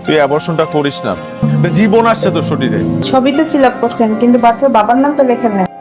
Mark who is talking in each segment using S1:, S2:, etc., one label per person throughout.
S1: তুই অ্যাবর্শনটা করিস না, জীবন আসছে তোর শরীরে।
S2: ছবি তো ফিল আপ করছেন কিন্তু বাচ্চার বাবার নাম তো লেখেন না।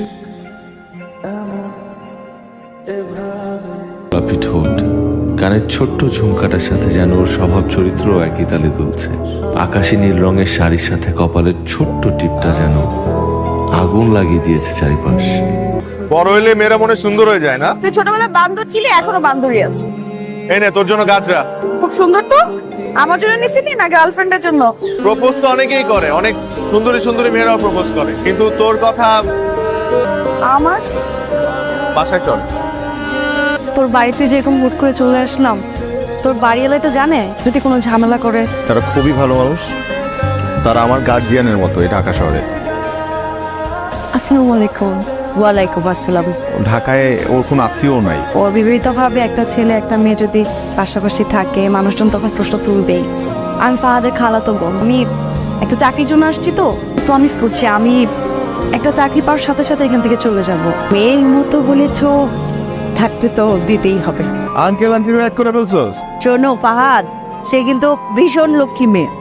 S3: গোলাপি ঠোঁট, কানের ছোট্ট ঝুমকাটার সাথে যেন ওর স্বভাব চরিত্র একই তালে দুলছে। আকাশি নীল রঙের শাড়ির সাথে কপালের ছোট্ট টিপটা যেন আগুন লাগিয়ে দিয়েছে চারিপাশ।
S1: বড় হইলে মেয়েরা মনে সুন্দর হয়ে যায় না?
S2: তুই ছোটবেলায় বান্দর ছিলি, এখনো বান্দরই আছে।
S1: এই নে তোর জন্য গাছরা।
S2: খুব সুন্দর তো। আমার জন্য নিছিলি না গার্লফ্রেন্ডের জন্য?
S1: প্রপোজ তো অনেকেই করে, অনেক সুন্দরী সুন্দরী মেয়েরাও প্রপোজ করে, কিন্তু তোর কথা।
S2: আমার
S1: বাসায় চল।
S4: তোর বাড়িতে যেরকম হুট করে চলে আসলাম, তোর বাড়িওয়ালাই তো জানে যদি কোনো ঝামেলা করে।
S5: তারা খুবই ভালো মানুষ, তারা আমার গার্জিয়ানের মতো এই ঢাকা শহরে।
S4: আসসালামু আলাইকুম। ওয়ালাইকুম আসসালাম।
S5: ঢাকায় ওর কোনো আত্মীয় নাই।
S4: অবিবাহিতভাবে একটা ছেলে একটা মেয়ে যদি পাশাপাশি থাকে, মানুষজন তখন প্রশ্ন তুলবেই। আমি ফাহাদের খালাতো বোন, আমি একটা চাকরির জন্য আসছি, তো প্রমিস করছি আমি একটা চাকরি পাওয়ার সাথে সাথে এখান থেকে চলে যাব। মেয়ের মতো বলেছ, থাকতে তো দিতেই হবে।
S5: আঙ্কেল আন্টি এক করে ফেলছস?
S6: শোনো ফাহাদ, সে কিন্তু ভীষণ লক্ষ্মী মেয়ে।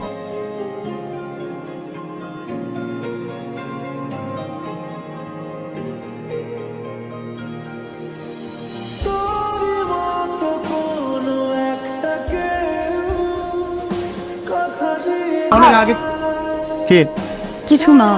S5: অনেক আগে কে?
S4: কিছু না।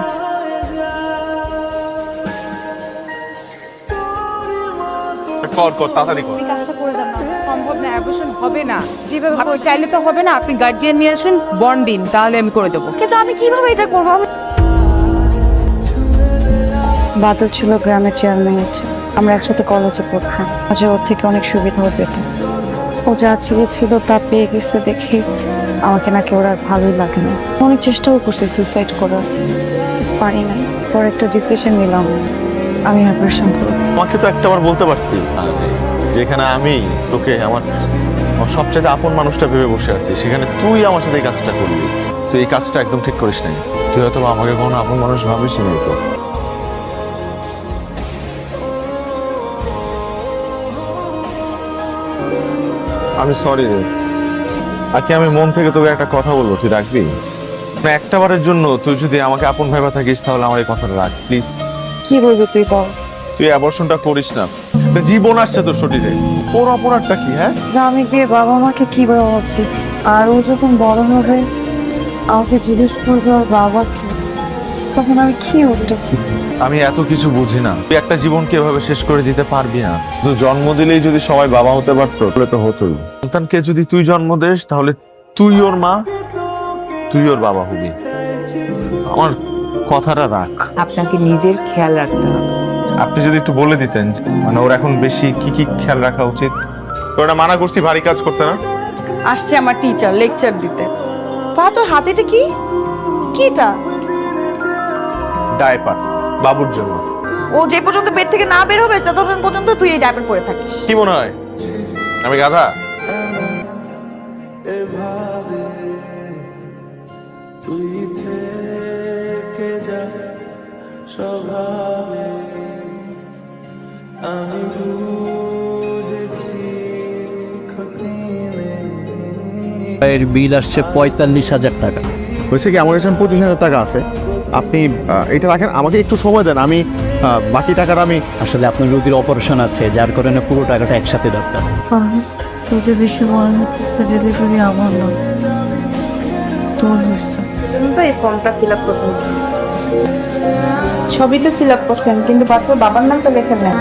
S1: কর কর, তাড়াতাড়ি কর।
S4: কাজটা করে দেন না।
S7: সম্ভব না, অ্যাবর্শন হবে না। যেভাবে আপনি চাইলে তো হবে না। আপনি গার্জিয়ান নিয়ে আসুন, বন্ড দিন, তাহলে আমি করে দেবো।
S4: কিন্তু আমি কিভাবে এটা করবো? বাদল ছিল গ্রামের চেয়ারম্যান হচ্ছে, আমরা একসাথে কলেজে পড়তাম। আচ্ছা, ওর থেকে অনেক সুবিধাও পেতাম। ও যা ছিল তা পেয়ে গেছে দেখে আমাকে নাকি ওর আর ভালোই লাগে না। অনেক চেষ্টাও করছি সুইসাইড করার, পারি না। পরে একটা ডিসিশন নিলাম, আমি অপারেশন করব।
S1: আমাকে তো একটাবার বলতে পারতি যেখানে আমি তোকে আমার সবচেয়ে আপন মানুষটা ভেবে বসে আছি, সেখানে তুই আমার সাথে এই কাজটা করলি। তুই এই কাজটা একদম ঠিক করিস নাই। তুই হয়তো আমাকে কোনো আপন মানুষ ভাবিস নি। তো আমি সরি রে। আজকে আমি মন থেকে তোকে একটা কথা বলবো, তুই রাখবি? একটা বারের জন্য তুই যদি আমাকে আপন ভাইবা থাকিস, তাহলে আমার এই কথাটা রাখ প্লিজ।
S4: কি বলবো তুই বল?
S1: তুই অ্যাবর্শনটা করিস না, জীবন আসছে তোর শরীরে। ওর অপরাধটা কি? হ্যাঁ,
S4: আমি গিয়ে বাবা মাকে কি জবাব দিই? আর ও যখন বড় হবে আমাকে জিজ্ঞেস করবে ওর বাবা কি, তখন আমি কি উত্তর দিব?
S1: আমি এত কিছু বুঝি না। তুই একটা জীবনকে এভাবে শেষ করে দিতে পারবি না। তুই জন্ম দিলেই যদি সবাই বাবা হতে পারতো তাহলে তো হতোই। সন্তানকে যদি তুই জন্ম দিস, তাহলে তুই ওর মা, তুই ওর বাবা হবি। আমার কথাটা রাখ।
S7: আপনাকে নিজের খেয়াল রাখতে হবে।
S1: আপনি যদি একটু বলে দিতেন, মানে ওর এখন বেশি কি কি খেয়াল রাখা উচিত। তোরা মানা করছি ভারী কাজ করতে না।
S2: আসছে আমার টিচার লেকচার দিতে। পা, তোর হাতে এটা কি? কি এটা?
S1: ডায়পার বাবুর জন্য।
S2: ও যে পর্যন্ত পেট থেকে না বের হবে ততক্ষণ পর্যন্ত তুই এই ডায়পার পরে থাকিস।
S1: কি মনে হয় আমি গাধা?
S8: এর বিল আসছে ৪৫,০০০ টাকা।
S5: হয়েছে কি, আমার কাছে ২৫,০০০ টাকা আছে। আপনি এটা রাখেন, আমাকে একটু সময় দেন, আমি বাকি টাকাটা আমি।
S8: আসলে আপনার রোগীর অপারেশন আছে, যার কারণে পুরো টাকাটা একসাথে দরকার।
S4: তোদের বেশি মনে হচ্ছে ডেলিভারি আমার নয়, তোর হচ্ছে।
S2: তো এই ফর্মটা ফিল আপ করতে হবে। ছবি তো ফিল আপ করছেন কিন্তু বাচ্চার বাবার নাম তো লেখেন না।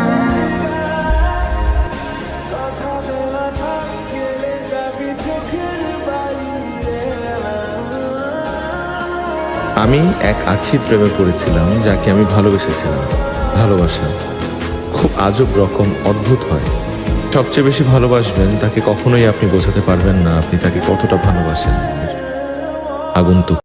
S3: আমি এক আখির প্রেমে পড়েছিলাম, যাকে আমি ভালোবেসেছিলাম। ভালোবাসা খুব আজব রকম অদ্ভুত হয়। সবচেয়ে বেশি ভালোবাসবেন তাকে কখনোই আপনি বোঝাতে পারবেন না আপনি তাকে কতটা ভালোবাসেন। আগন্তুক।